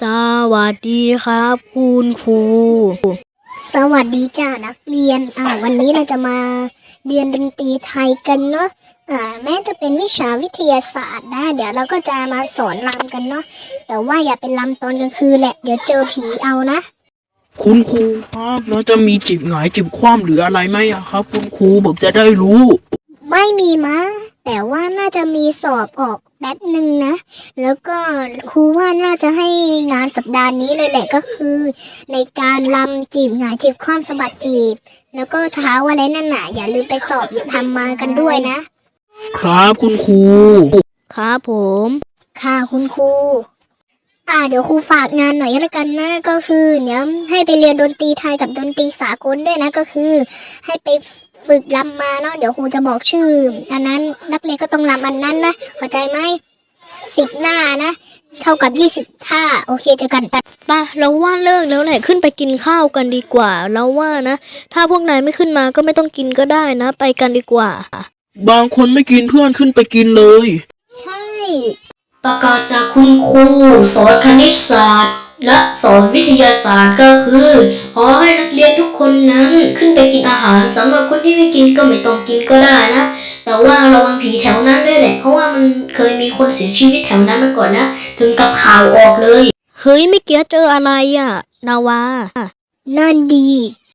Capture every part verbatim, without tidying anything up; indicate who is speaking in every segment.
Speaker 1: สวัสดีครับคุณครู
Speaker 2: สวัสดีจ้านักเรียนอ่าวันนี้เราจะมาเรียนดนตรีไทยกันเนาะอ่าแม้จะเป็นวิชาวิทยาศาสตร์นะเดี๋ยวเราก็จะมาสอนรำกันเนาะแต่ว่าอย่าเป็นรำตอนกลางคืนแหละเดี๋ยวเจอผีเอานะ
Speaker 3: คุณครูครับแล้วจะมีจิบหงายจิบคว่ำหรืออะไรไหมอะครับคุณครูผมจะได้รู้
Speaker 2: ไม่มีมะแต่ว่าน่าจะมีสอบออกแป๊บหนึ่งนะแล้วก็ครูว่าน่าจะให้งานสัปดาห์นี้เลยแหละก็คือ ในการรำจีบหงายจีบคว่ำสะบัดจีบแล้วก็เท้าอะไรนั่นน่ะอย่าลืมไปสอบทำมากันด้วยนะครับ
Speaker 3: คุณครู
Speaker 1: ครับผม
Speaker 2: ค่ะคุณครูอ่าเดี๋ยวครูฝากงานหน่อยแล้วกันนะก็คือเดี๋ยวให้ไปเรียนดนตรีไทยกับดนตรีสากลด้วยนะก็คือให้ไปฝึกรำมาเนาะเดี๋ยวครูจะบอกชื่ออันนั้นนักเรียนก็ต้องรำอันนั้นนะเข้าใจไหมสิบหน้านะเท่ากับยี่สิบท่าโอเคเจอกัน
Speaker 1: ป่ะเราว่าเลิกแล้วแหละขึ้นไปกินข้าวกันดีกว่าเราว่านะถ้าพวกนายไม่ขึ้นมาก็ไม่ต้องกินก็ได้นะไปกันดีกว่า
Speaker 3: บางคนไม่กินเพื่อนขึ้นไปกินเลย
Speaker 2: ใช่
Speaker 1: ประกาศจากคุณครูสอนคณิตศาสตร์และสอนวิทยาศาสตร์ก็คือขอให้นักเรียนทุกคนนั้นขึ้นไปกินอาหารสำหรับคนที่ไม่กินก็ไม่ต้องกินก็ได้นะแต่ว่าระวังผีแถวนั้นด้วยแหละเพราะว่ามันเคยมีคนเสียชีวิตแถวนั้นมาก่อนนะถึงกับข่าวออกเลยเฮ้ยไม่เกี้ยเจออะไรอ่ะนาวา
Speaker 2: นั่นดี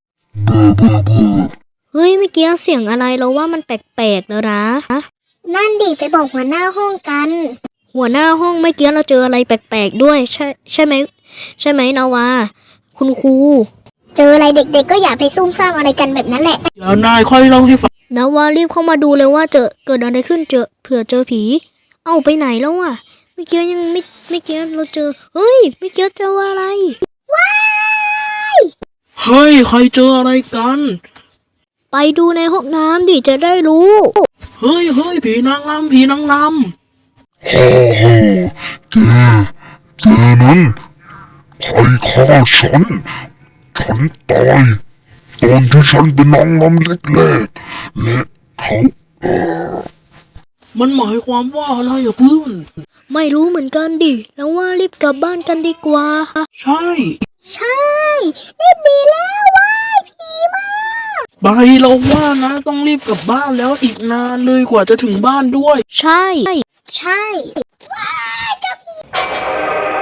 Speaker 1: เฮ้ยไม่เกี้ยเสียงอะไรเราว่ามันแปลกๆแล้วนะ
Speaker 2: นั่นดีไปบอกหัวหน้าห้องกัน
Speaker 1: หัวหน้าห้องไม่เกี้ยเราเจออะไรแปลกๆด้วยใช่ใช่ไหมใช่ไหมนาวาคุณครู
Speaker 2: เจออะไรเด็กๆก็อย่าไปซุ่มซ่ามอะไรกันแบบนั้นแหละ
Speaker 3: เดี๋ยวนายค่อยเล่าให้ฟัง
Speaker 1: นาวารีบเข้ามาดูเลยว่าเจอเกิดอะไรขึ้นเจอเผื่อเจอผีเอาไปไหนแล้วอ่ะไม่เกี้ยยังไม่ไม่เกี้ยเราเจอเฮ้ยไม่เกี้ยเจออะไร
Speaker 2: ว้าย
Speaker 3: เฮ้ยใครเจออะไรกัน
Speaker 1: ไปดูในห้องน้ำดิจะได้รู้
Speaker 3: เฮ้ยเฮ้ยผีนางรำผีนางรำ
Speaker 4: ฮ่าฮ่าแกแกนั้นใครฆ่าฉันฉันตายตอนที่ฉันเป็นนางรำเล็กๆและเขาเออ
Speaker 3: มันหมายความว่าอะไรอะเพื่อน
Speaker 1: ไม่รู้เหมือนกันดิแล้วว่ารีบกลับบ้านกันดีกว่า
Speaker 3: ใช่
Speaker 2: ใช่รีบดีแล้วว้ายผีมา
Speaker 3: ไปเราว่านะต้องรีบกลับบ้านแล้วอีกนานเลยกว่าจะถึงบ้านด้วย
Speaker 1: ใช่
Speaker 2: ใช่ว้ายเจ้าผี